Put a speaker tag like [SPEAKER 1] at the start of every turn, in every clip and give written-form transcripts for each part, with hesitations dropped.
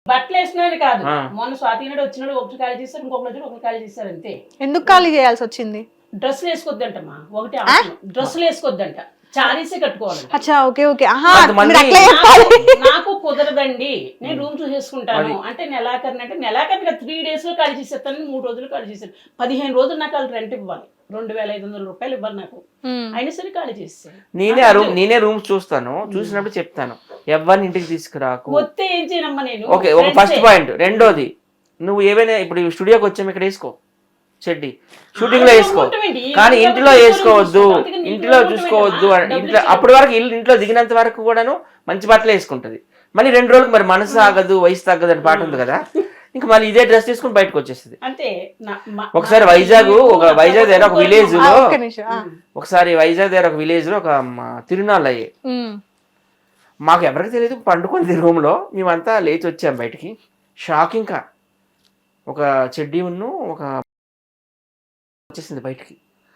[SPEAKER 1] బట్టలు వేసినది కాదు, మొన్న స్వాతి నాడు వచ్చినాడు ఒకటి ఖాళీ చేస్తారు, ఇంకొకటి వచ్చి ఒకటి ఖాళీ చేస్తారు అంతే.
[SPEAKER 2] ఎందుకు ఖాళీ చేయాల్సి వచ్చింది?
[SPEAKER 1] డ్రెస్సులు వేసుకోవద్దంటమ్మా, ఒకటి డ్రెస్సులు వేసుకోవద్దంట, చారీసే కట్టుకోవాలంట.
[SPEAKER 2] అచ్చా, ఓకే ఓకే.
[SPEAKER 1] నాకు కుదరదండి, నేను రూమ్ చూసేసుకుంటాను అంటే నెలాఖరిని, అంటే నెలాఖరిగా 3 days లో ఖాళీ చేసేస్తాను, 3 రోజులు ఖాళీ చేశాను, 15 రోజులు నాకు వాళ్ళు రెంట్ ఇవ్వాలి, 2500 రూపాయలు ఇవ్వాలి నాకు, అయినా సరే ఖాళీ చేస్తాను.
[SPEAKER 3] నేనే రూమ్ చూస్తాను, చూసినప్పుడు చెప్తాను ఎవరిని ఇంటికి తీసుకురాకు.
[SPEAKER 1] వస్తే ఏం చేయనమ్మా నేను.
[SPEAKER 3] ఓకే, ఒక ఫస్ట్ పాయింట్. రెండోది, నువ్వు ఏవైనా ఇప్పుడు స్టూడియోకి వచ్చాము ఇక్కడ వేసుకో చెడ్డి, షూటింగ్ లో వేసుకో, కానీ ఇంట్లో వేసుకోవద్దు, ఇంట్లో చూసుకోవద్దు. ఇంట్లో అప్పటి వరకు ఇంట్లో దిగినంత వరకు కూడాను మంచి బట్టలు వేసుకుంటది. మళ్ళీ 2 రోజులకు మరి మనసు ఆగదు, వయసు తగ్గదు అని పాట ఉంది కదా, ఇంకా మళ్ళీ ఇదే డ్రెస్ తీసుకుని బయటకు వచ్చేస్తుంది. ఒకసారి వైజాగ్ దగ్గర ఒక విలేజ్ లో, ఒక తిరునాళ్ళు అయ్యాయి. మాకు ఎవరికి తెలియదు, పండుకుంది రూమ్ లో, మేమంతా లేచి వచ్చాం బయటికి. షాక్, ఇంకా ఒక చెడ్డీ ఉన్ను ఒక వచ్చేసింది బయటికి.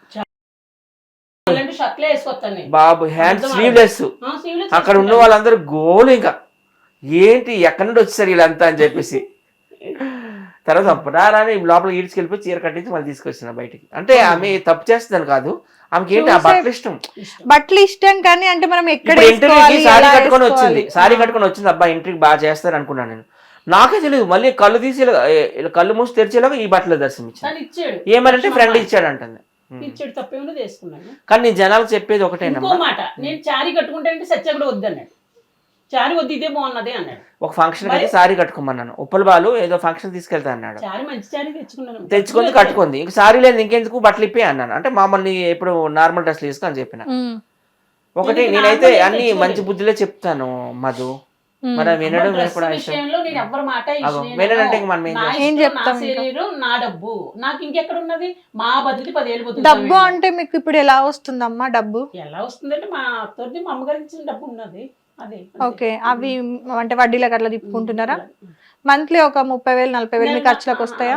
[SPEAKER 3] బాబు హ్యాండ్ స్లీవ్లెస్. అక్కడ ఉన్న వాళ్ళందరూ గోలు, ఇంకా ఏంటి ఎక్కడి నుండి వచ్చేసారు వీళ్ళంతా అని చెప్పేసి. తర్వాత రాని లోపల ఈడ్చుకెళ్ళిపోయి చీర కట్టించి మళ్ళీ తీసుకొచ్చిన బయటికి. అంటే ఆమె తప్పు చేస్తుందని కాదు, ఆమెకి ఏంటి ఆ బట్టలు ఇష్టం
[SPEAKER 2] కానీ అంటే మనం
[SPEAKER 3] ఇంటర్వ్యూకి సారీ కట్టుకొని వచ్చింది. అబ్బా ఇంటర్వ్యూకి బాగా చేస్తారు అనుకున్నాను నేను. నాకే తెలియదు, మళ్ళీ కళ్ళు తీసి కళ్ళు మూసి తెరిచేలాగా ఈ బట్టలు దర్శనం ఇచ్చాడు. ఏమనంటే ఫ్రెండ్ ఇచ్చాడు అంటుంది. కానీ నేను జనాలకు చెప్పేది ఒకటేనమ్మా,
[SPEAKER 1] నేను చారీ కట్టుకుంటే సత్య కూడా వద్దన్నాడు, చారీ వద్దు ఇదే బాగున్నదే అన్నాడు.
[SPEAKER 3] ఒక ఫంక్షన్ అయితే సారీ కట్టుకోమన్నాను, ఉప్పల బాలు ఏదో ఫంక్షన్ తీసుకెళ్తా అన్నాడు, తెచ్చుకుంది కట్టుకుంది. ఇంక సారీ లేదు ఇంకెందుకు బట్టలు ఇప్పే అన్నాను. అంటే మామూలు ఎప్పుడు నార్మల్ డ్రెస్లు వేసుకో అని చెప్పిన. ఒకటి నేనైతే అన్ని మంచి బుద్ధిలో చెప్తాను మధు, మరి వినడం
[SPEAKER 1] నా డబ్బు నాకు ఇంకెక్కడ ఉన్నది, మా బతికి 10 ఏళ్ళు
[SPEAKER 2] డబ్బు అంటే మీకు ఇప్పుడు ఎలా వస్తుందమ్మా? డబ్బు
[SPEAKER 1] ఎలా వస్తుందంటే మా అత్తోటి మా అమ్మగారికి ఇచ్చిన డబ్బు ఉన్నది అదే.
[SPEAKER 2] ఓకే, అవి అంటే వడ్డీలకు అట్లా తిప్పుకుంటున్నారా? మంత్లీ ఒక 30,000-40,000 మీ ఖర్చులకు వస్తాయా?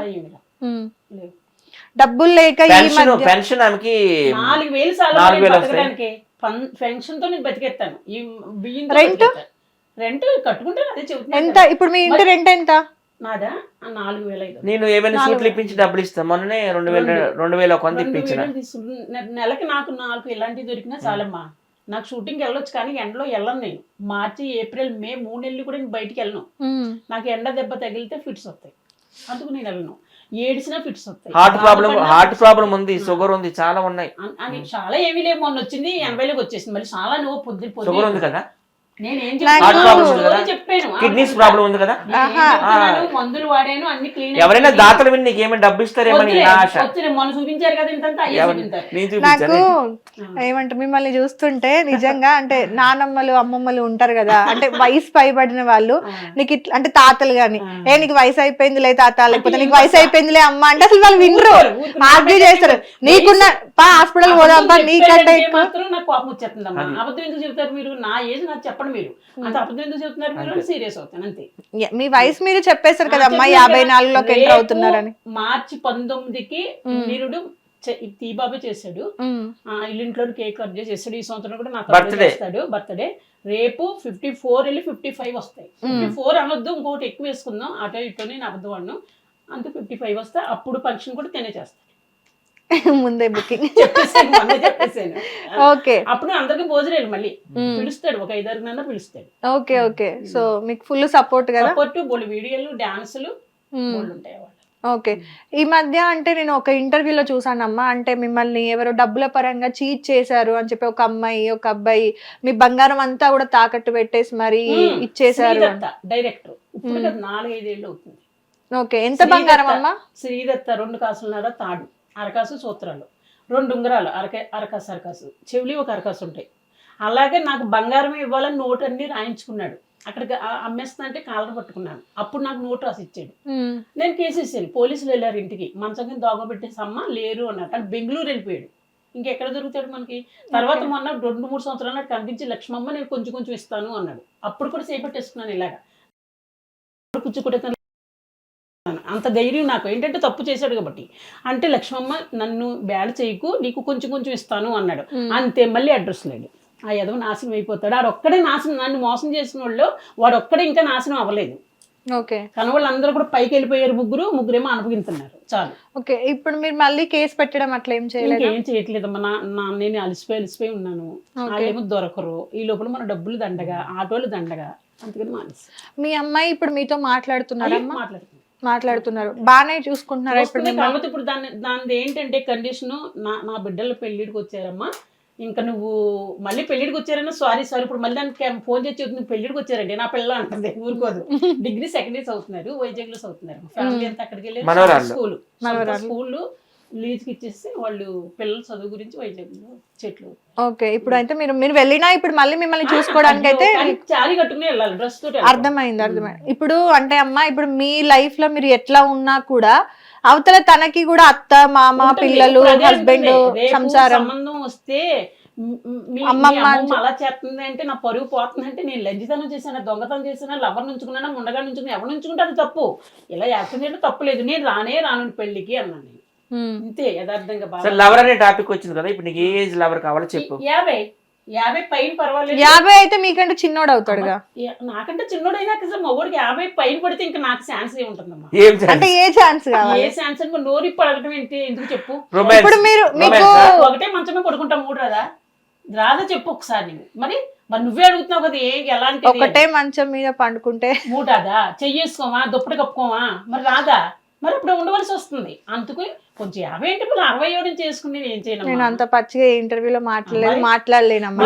[SPEAKER 2] డబ్బులు లేక
[SPEAKER 3] పెన్షన్ ఆమెకి
[SPEAKER 1] 4,000 పెన్షన్ తో నేను బతికేస్తాను. ఈ బియ్యం రెంట్ కట్టుకుంటాను, అదే చెబుతాను.
[SPEAKER 2] ఎంత ఇప్పుడు మీ ఇంటి రెంట్ ఎంత?
[SPEAKER 1] నాదా 4,500.
[SPEAKER 3] నేను ఏమైనా సూట్లు ఇప్పించి డబ్బులు ఇస్తాను. మొన్ననే 2,000 కొంత ఇప్పించిన.
[SPEAKER 1] నెలకి నాకు 4 ఇలాంటివి దొరికినా చాలమ్మా. నాకు షూటింగ్కి వెళ్ళొచ్చు, కానీ ఎండలో వెళ్ళను నేను. మార్చి, ఏప్రిల్, మే 3 నెలలు కూడా నేను బయటికి వెళ్ళను. నాకు ఎండ దెబ్బ తగిలితే ఫిట్స్ వస్తాయి, అందుకు నేను వెళ్ళను. ఏడిసినా ఫిట్స్ వస్తాయి.
[SPEAKER 3] హార్ట్ ప్రాబ్లం ఉంది, షుగర్ ఉంది, చాలా ఉన్నాయి.
[SPEAKER 1] అని చాలా ఏమీ లేవు. మొన్న వచ్చింది 80లోకి వచ్చేసింది, మళ్ళీ చాలా నువ్వు పొద్దు
[SPEAKER 3] షుగర్ ఉంది కదా,
[SPEAKER 1] కిడ్నీస్
[SPEAKER 3] ప్రాబ్లం ఉంది కదా,
[SPEAKER 1] మందులు వాడాను, అన్ని క్లీన్.
[SPEAKER 3] ఎవరైనా దాతలు విని నీకేమైనా డబ్బు ఇస్తారేమని
[SPEAKER 1] మొన్న చూపించారు కదా ఇంత.
[SPEAKER 2] నాకు ఏమంటే మిమ్మల్ని చూస్తుంటే నిజంగా అంటే నానమ్మలు అమ్మమ్మలు ఉంటారు కదా, అంటే వయసు పైబడిన వాళ్ళు, నీకు ఇట్లా అంటే తాతలు గాని, నీకు వయసు అయిపోయిందిలే తాత, లేకపోతే నీకు వయసు అయిపోయిందిలే అమ్మ అంటే అసలు వాళ్ళు వినరు, ఆర్గ్యూ చేస్తారు. నీకున్న హాస్పిటల్ పోదాం నీకంటే
[SPEAKER 1] నాకు కోపం వచ్చేస్తుందమ్మా. అబద్ధం ఎందుకు చెప్తారు మీరు? నా ఏజ్ నాకు చెప్పండి, మీరు అంత అబద్ధం ఎందుకు చెప్తున్నారు? మీరు సీరియస్ అవుతాను అంతే.
[SPEAKER 2] మీ వయసు మీరు చెప్పేశారు కదా అమ్మా, 54లోకి ఎంటర్ అవుతున్నారని.
[SPEAKER 1] మార్చి 19కి వీరుడు తీబాబే చేశాడు, ఇల్లింట్లో కేక్ కట్ చేసాడు. ఈ సంవత్సరం కూడా నాకు చేస్తాడు బర్త్డే. రేపు 54 వెళ్ళి 55 వస్తాయి. 54 అనొద్దు, ఇంకోటి ఎక్కువ వేసుకుందాం, అటో ఇటో నేను అబద్ధం అన్ను. అంత 55 వస్తే అప్పుడు ఫంక్షన్ కూడా తినే చేస్తాను.
[SPEAKER 2] ముందే బుకింగ్
[SPEAKER 1] చెప్పేసాను.
[SPEAKER 2] ఓకే,
[SPEAKER 1] అప్పుడు అందరికి భోజనాలు మళ్ళీ పిలుస్తాడు, ఒక 5-6 పిలుస్తాడు.
[SPEAKER 2] ఓకే ఓకే, సో మీకు ఫుల్ సపోర్ట్ కదా?
[SPEAKER 1] సపోర్ట్, బోల్డ్ వీడియోలు, డాన్సులు ఉంటాయి.
[SPEAKER 2] ఓకే, ఈ మధ్య అంటే నేను ఒక ఇంటర్వ్యూలో చూసానమ్మా, అంటే మిమ్మల్ని ఎవరో డబ్బుల పరంగా చీట్ చేశారు అని చెప్పి ఒక అమ్మాయి ఒక అబ్బాయి మీ బంగారం అంతా కూడా తాకట్టు పెట్టేసి మరి ఇచ్చేసారు.
[SPEAKER 1] డైరెక్టర్ ఇప్పుడు 4-5 ఏళ్ళు అవుతుంది.
[SPEAKER 2] ఓకే, ఎంత బంగారం అమ్మా?
[SPEAKER 1] శ్రీదత్త 2 కాసులున్నర తాడు, అరకాసు సూత్రాలు, 2 ఉంగరాలు, అరకాసు చెవులి, ఒక అరకాసు ఉంటాయి. అలాగే నాకు బంగారం ఇవ్వాలని నోటు అన్ని రాయించుకున్నాడు. అక్కడికి అమ్మేస్తా అంటే కాలర్ పట్టుకున్నాను. అప్పుడు నాకు నోటు రాసి ఇచ్చాడు. నేను కేసు ఇచ్చాను. పోలీసులు వెళ్ళారు ఇంటికి, మంచం కింద దోగబెట్టేసి అమ్మ లేరు అన్నారు. కానీ బెంగళూరు వెళ్ళిపోయాడు, ఇంకెక్కడ దొరుకుతాడు మనకి. తర్వాత మొన్న 2-3 సంవత్సరాలు నాకు కనిపించి లక్ష్మమ్మ నేను కొంచెం ఇస్తాను అన్నాడు. అప్పుడు కూడా చేపట్టేసుకున్నాను ఇలాగా కూర్చుకుంటే. అంత ధైర్యం నాకు, ఏంటంటే తప్పు చేశాడు కాబట్టి. అంటే లక్ష్మమ్మ నన్ను బ్యాడ్ చేయకు, నీకు కొంచెం ఇస్తాను అన్నాడు. అంతే, మళ్ళీ అడ్రస్ లేడు. ఆ ఎదవ నాశనం అయిపోతాడు. ఆడొక్కడే నాశనం, నన్ను మోసం చేసిన వాళ్ళు వాడొక్కడే ఇంకా నాశనం అవ్వలేదు.
[SPEAKER 2] ఓకే
[SPEAKER 1] కానీ వాళ్ళందరూ కూడా పైకి వెళ్ళిపోయారు, ముగ్గురేమో అనుభవిస్తున్నారు చాలు.
[SPEAKER 2] ఓకే ఇప్పుడు మీరు మళ్ళీ కేసు పెట్టడం అట్లా ఏం చేయలేదు?
[SPEAKER 1] ఇంకేం చేయట్లేదమ్మా. నేను అలసిపోయి ఉన్నాను, వాళ్ళేమో దొరకరు, ఈ లోపల మన డబ్బులు దండగా, ఆటోలు దండగా, అందుకని మానేసి.
[SPEAKER 2] మీ అమ్మాయి ఇప్పుడు మీతో మాట్లాడుతున్నారమ్మా? మాట్లాడుతున్నారు, బాగానే చూసుకుంటున్నారా ఇప్పుడు?
[SPEAKER 1] కాకపోతే ఇప్పుడు దాని ఏంటంటే కండిషన్, నా బిడ్డల పెళ్లిడికి వచ్చారమ్మా, ఇంకా నువ్వు మళ్ళీ పెళ్లిడికి వచ్చారన్నా సారీ ఇప్పుడు మళ్ళీ దానికి ఫోన్ చేసి చెప్తుంది పెళ్లిడికి వచ్చారండి నా పిల్ల అంటుంది, ఊరుకోదు. డిగ్రీ సెకండ్ ఇయర్స్ అవుతున్నారు, వైజాగ్ లో చదువుతున్నారు, ఫ్యామిలీ అంతా అక్కడికి వెళ్ళి స్కూల్ లీజ్కి ఇచ్చేసి వాళ్ళు పిల్లల చదువు గురించి వైజాగ్ లో చెట్లు.
[SPEAKER 2] ఓకే ఇప్పుడు అయితే మీరు వెళ్ళినా ఇప్పుడు మళ్ళీ మిమ్మల్ని చూసుకోవడానికి అయితే
[SPEAKER 1] చాలి కట్టుకుని వెళ్ళాలి, డ్రెస్ తోటి.
[SPEAKER 2] అర్థమైంది. ఇప్పుడు అంటే అమ్మా ఇప్పుడు మీ లైఫ్ లో మీరు ఎట్లా ఉన్నా కూడా అవతల తనకి కూడా అత్త మామ పిల్లలు హస్బెండ్ సంసారం
[SPEAKER 1] సంబంధం వస్తే అమ్మమ్మ అలా చేస్తుంది అంటే నా పరుగు పోతుంది అంటే నేను లంజితనం చేశాను, దొంగతనం చేశాను, లవర్ నుంచుకున్నా, ముండగా నుంచుకున్నా, ఎవరు నుంచుకుంటే అది తప్పు. ఇలా యాక్సిడెంట్ తప్పు లేదు, నేను రాను పెళ్లికి అన్నాను నేను. ఇంతే యథార్థంగా.
[SPEAKER 3] లవర్ అనే టాపిక్ వచ్చింది కదా, ఇప్పుడు నీకు ఏ ఏజ్ లవర్ కావాలో చెప్పు.
[SPEAKER 1] 50 పైన పర్వాలేదు.
[SPEAKER 2] 50 అయితే మీకంటే చిన్నోడు అవుతాడుగా.
[SPEAKER 1] నాకంటే చిన్నోడైనా కదా మగోడికి 50 పైన పడితే ఇంకా నాకు ఛాన్స్ ఏముంటుందమ్మా?
[SPEAKER 2] అంటే ఏ ఛాన్స్ కావాలి?
[SPEAKER 1] ఏ ఛాన్స్ అంటే నోరు పడగటం ఏంటి, ఎందుకు చెప్పు?
[SPEAKER 2] ఇప్పుడు మీరు
[SPEAKER 1] ఒకటే మంచమే పడుకుంటా, 3 రాదా చెప్పు ఒకసారి నువ్వు. మరి నువ్వే అడుగుతున్నావు కదా, ఎలాంటి
[SPEAKER 2] ఒకటే మంచం మీద పండుకుంటే
[SPEAKER 1] 3 చెయ్యేసుకోమా, దుప్పటి కప్పుకోమా, మరి రాదా? మరి ఇప్పుడు ఉండవలసి వస్తుంది. అందుకు కొంచెం 50 ఏంటి, 67 చేసుకుని నేను ఏం చేయను.
[SPEAKER 2] నేను అంత పచ్చిగా ఇంటర్వ్యూలో మాట్లాడలేనమ్మా.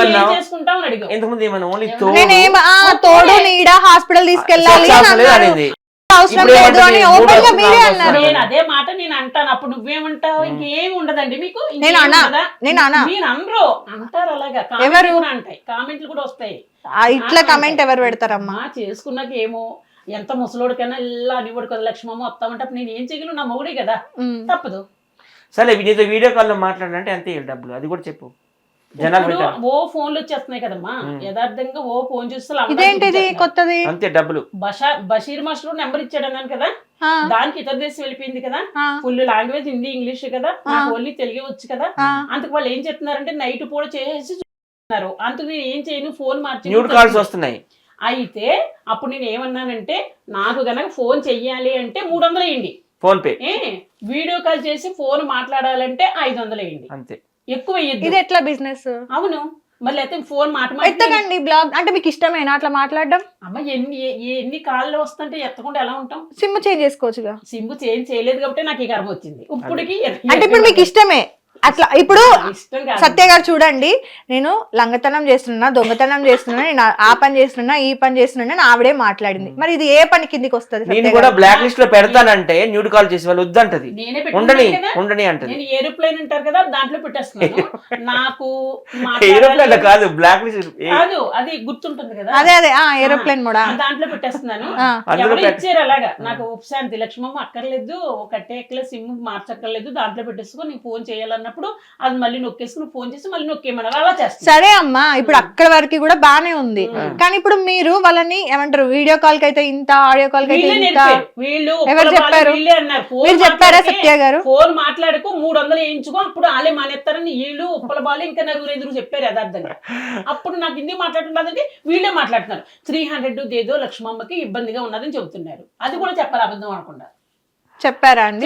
[SPEAKER 2] తోడు నీడ హాస్పిటల్ తీసుకెళ్ళాలి అవసరం లేదు అని ఓపెన్ గా మీరే అన్నారు.
[SPEAKER 1] నేను అదే మాట నేను అంటాను, అప్పుడు నువ్వేమంటావు? ఇంకేం ఉండదండి మీకు.
[SPEAKER 2] నేను
[SPEAKER 1] అనరు అంటారు అలాగా, ఎవరు అంటాయి, కామెంట్లు కూడా వస్తాయి.
[SPEAKER 2] ఇట్లా కామెంట్ ఎవరు పెడతారమ్మా?
[SPEAKER 1] చేసుకున్నాక ఏమో ఎంత ముసలోడికైనా ఇలా అనివాడు కదా, లక్ష్మమ్మ వస్తామంటే అప్పుడు నేను ఏం చేయగలను, నా మొగుడే కదా, తప్పదు.
[SPEAKER 3] సరే నీతో వీడియో కాల్ లో మాట్లాడాలంటే అంతే డబ్బులు, అది కూడా చెప్పు.
[SPEAKER 1] ఓ ఫోన్లు వచ్చేస్తున్నాయి కదమ్మా, యథార్థంగా ఓ ఫోన్
[SPEAKER 2] చూస్తే కొత్తది
[SPEAKER 3] అంతే డబ్బులు.
[SPEAKER 1] బషీర్ మాస్టర్ నెంబర్ ఇచ్చాడు అన్నాను కదా, దానికి ఇతర దేశం వెళ్ళిపోయింది కదా, ఫుల్ లాంగ్వేజ్ హిందీ ఇంగ్లీష్ కదా, ఓన్లీ తెలుగు వచ్చు కదా. అందుకు వాళ్ళు ఏం చెప్తున్నారంటే నైట్ పూట చేసి చూస్తున్నారు. అందుకు నేను ఏం చేయను, ఫోన్ మార్చి
[SPEAKER 3] వస్తున్నాయి.
[SPEAKER 1] అయితే అప్పుడు నేను ఏమన్నానంటే, నాకు గనక ఫోన్ చెయ్యాలి అంటే 300 వేయండి
[SPEAKER 3] ఫోన్ పే,
[SPEAKER 1] వీడియో కాల్ చేసి ఫోన్ మాట్లాడాలంటే 500 వేయండి, అంతే, ఎక్కువ వేయద్దు.
[SPEAKER 2] ఇది ఎట్లా బిజినెస్?
[SPEAKER 1] అవును, మళ్ళీ అయితే ఫోన్
[SPEAKER 2] ఎత్తకండి బ్లాగ్ అంటే మీకు ఇష్టమేనా అట్లా మాట్లాడడం?
[SPEAKER 1] అమ్మ ఎన్ని కాళ్ళు వస్తుంటే ఎత్తకుండా ఎలా ఉంటాం?
[SPEAKER 2] సిమ్ చేంజ్ చేసుకోవచ్చుగా.
[SPEAKER 1] సిమ్ చేంజ్ చేయలేదు కాబట్టి నాకు ఈ కర్మ వచ్చింది. ఇప్పటికి
[SPEAKER 2] అంటే ఇప్పుడు మీకు ఇష్టమే అట్లా. ఇప్పుడు సత్య గారు చూడండి, నేను లంగతనం చేస్తున్నా, దొంగతనం చేస్తున్నా, నేను ఆ పని చేస్తున్నా, ఈ పని చేస్తున్నా, ఆవిడే మాట్లాడింది. మరి ఇది ఏ పని కిందికి వస్తుంది?
[SPEAKER 3] నేను కూడా బ్లాక్ లిస్ట్ లో పెడతానంటే న్యూడ్ కాల్ చేసి వాళ్ళు వద్దంటది, ఉండని అంటది.
[SPEAKER 1] నేను ఏరోప్లేన్ అంటారు కదా, దాంట్లో పెట్టేస్తున్నాను. నాకు
[SPEAKER 3] ఏరోప్లేన్ కాదు, బ్లాక్ లిస్ట్
[SPEAKER 1] కాదు, అది గుర్తుంటుంది కదా,
[SPEAKER 2] అదే ఏరోప్లేన్ కూడా
[SPEAKER 1] దాంట్లో పెట్టేస్తున్నాను. ఎవరు ఇచ్చారు అలాగా, నాకు ఉపశాంతి లక్ష్మమ్మ అక్కర్లేదు, కట్టేక్కలే, సిమ్ మార్చక్కర్లేదు, దాంట్లో పెట్టేసుకొని నేను ఫోన్ చేయాలన్నప్పుడు అది మళ్ళీ నొక్కేసుకుని ఫోన్ చేసి మళ్ళీ నొక్కేమన్నారు, అలా చేస్తాను.
[SPEAKER 2] సరే అమ్మా, ఇప్పుడు అక్కడ వరకు కూడా బానే ఉంది. కానీ ఇప్పుడు మీరు వాళ్ళని ఏమంటారు, వీడియో కాల్ కి అయితే ఇంత, ఆడియో కాల్ కి అయితే ఇంత, ఎవరు చెప్పారు? మీరు చెప్పారా సత్య గారు?
[SPEAKER 1] ఫోన్ మాట్లాడుకో 300 వేయించుకో, అప్పుడు వాళ్ళే మానేస్తారని వీళ్ళు ఉప్పల బాలు ఇంకా 4-5 చెప్పారు యథార్థంగా. అప్పుడు నాకు హిందీ మాట్లాడుతున్నదంటే వీళ్ళే మాట్లాడుతున్నారు. 300 ఏదో లక్ష్మమ్మకి ఇబ్బందిగా ఉన్నదని చెబుతున్నారు. అది కూడా చెప్పాలి అబద్ధం అనకుండా.
[SPEAKER 2] చెప్పారా అండి?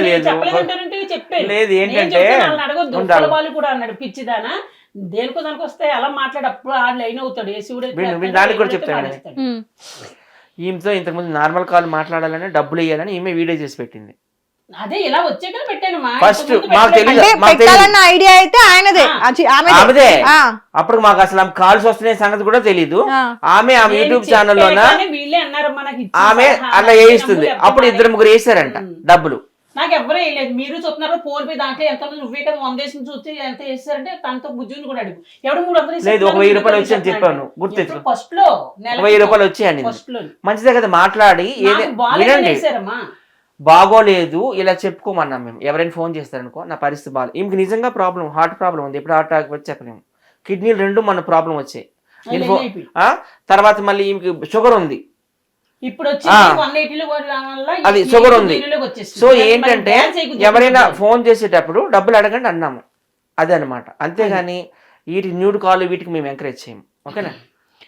[SPEAKER 3] లేదు ఏంటంటే
[SPEAKER 1] అడగొద్దు, ఉప్పల బాలు కూడా అన్నాడు పిచ్చిదానా, దేనికో దానికి వస్తే అలా మాట్లాడు, అప్పుడు ఆ లైన్ అవుతాడు.
[SPEAKER 3] దానికి కూడా చెప్తాను, ఈమెతో ఇంతకుముందు నార్మల్ కాల్ మాట్లాడాలని డబ్బులు ఇవ్వాలని ఈమె వీడియో చేసి పెట్టింది.
[SPEAKER 1] అదే ఇలా వచ్చే కదా పెట్టాను.
[SPEAKER 3] ఫస్ట్
[SPEAKER 2] పెట్టాలన్న ఐడియా అయితే ఆయనదే,
[SPEAKER 3] ఆమెదే. అప్పుడు మాకు అసలు కాల్స్ వస్తున్నాయి సంగతి కూడా తెలీదు. ఆమె యూట్యూబ్ ఛానల్లో ఆమె అలా వేయిస్తుంది. అప్పుడు 2-3 వేసారంట డబ్బులు.
[SPEAKER 1] నాకు ఎవరు వేయలేదు, మీరు చూస్తున్నారు. ఫోన్ పే దాంట్లో ఎంత నువ్వే కదా 100 వేసి చూస్తే ఎంత వేస్తారంటే తనతో బుజ్జుని కూడా అడుగు. ఎవడు 300
[SPEAKER 3] లేదు, 1000 రూపాయలు వచ్చి అని చెప్పాను, గుర్తు.
[SPEAKER 1] ఫస్ట్ లో
[SPEAKER 3] 1000 రూపాయలు వచ్చాయని మంచిదే కదా, మాట్లాడి వినండి, బాగోలేదు ఇలా చెప్పుకోమన్నాం మేము. ఎవరైనా ఫోన్ చేస్తారనుకో, నా పరిస్థితి బాగాలేదు, ఈమెకి నిజంగా ప్రాబ్లం, హార్ట్ ప్రాబ్లం ఉంది, ఎప్పుడు హార్ట్ అటాక్ వచ్చి చెప్పలేము, కిడ్నీలు 2 మన ప్రాబ్లం వచ్చాయి. తర్వాత మళ్ళీ ఈమెకి షుగర్ ఉంది,
[SPEAKER 1] ఇప్పుడు
[SPEAKER 3] అది షుగర్ ఉంది. సో ఏంటంటే ఎవరైనా ఫోన్ చేసేటప్పుడు డబ్బులు అడగండి అన్నాము, అదే అనమాట. అంతేగాని వీటికి న్యూడ్ కాల్ వీటికి మేము ఎంకరేజ్ చేయము. ఓకేనా?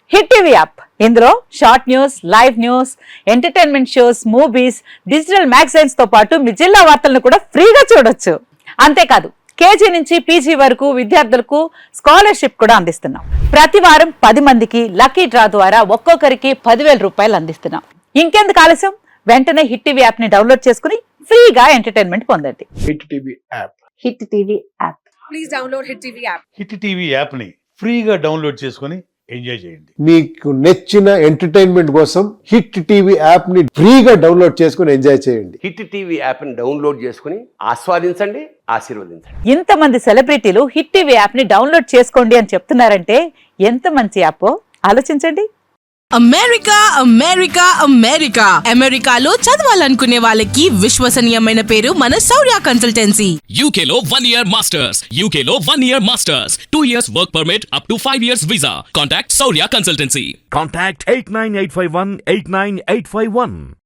[SPEAKER 4] హిట్ టీవీ యాప్ ఇందులో short news, live news, entertainment shows, movies, digital magazines తో పాటు మీ జిల్లా వార్తలను కూడా ఫ్రీగా చూడొచ్చు. అంతేకాదు కేజీ నుంచి పీజీ వరకు విద్యార్థులకు స్కాలర్షిప్ కూడా అందిస్తున్నాం. ప్రతి వారం 10 మందికి లక్కీ డ్రా ద్వారా ఒక్కొక్కరికి 10,000 రూపాయలు అందిస్తున్నాం. ఇంకెందుకు ఆలస్యం, వెంటనే హిట్ టీవీ యాప్ ని డౌన్లోడ్ చేసుకుని ఫ్రీగా ఎంటర్టైన్మెంట్ పొందండి.
[SPEAKER 5] Hit TV app.
[SPEAKER 4] Hit TV app.
[SPEAKER 6] Please download Hit TV app.
[SPEAKER 5] Hit TV యాప్ని ఫ్రీగా డౌన్లోడ్ చేసుకొని ఎంజాయ్ చేయండి.
[SPEAKER 7] మీకు నచ్చిన ఎంటర్టైన్మెంట్ కోసం హిట్ టీవీ యాప్ ని ఫ్రీగా డౌన్లోడ్ చేసుకుని ఎంజాయ్ చేయండి.
[SPEAKER 8] హిట్ టీవీ యాప్ని డౌన్లోడ్ చేసుకుని ఆస్వాదించండి, ఆశీర్వదించండి.
[SPEAKER 4] ఇంతమంది సెలబ్రిటీలు హిట్ టీవీ యాప్ ని డౌన్లోడ్ చేసుకోండి అని చెప్తున్నారంటే ఎంత మంచి యాప్ ఆలోచించండి.
[SPEAKER 6] అమెరికా అమెరికా అమెరికా అమెరికాలో చదవాలనుకునే వాళ్ళకి విశ్వసనీయమైన పేరు మన Shaurya consultancy.
[SPEAKER 9] UK Law 1 Year Masters. UK Law 1 Year Masters. 2 years work permit up to 5 years visa. Contact Saurya Consultancy.
[SPEAKER 10] Contact 89851 89851.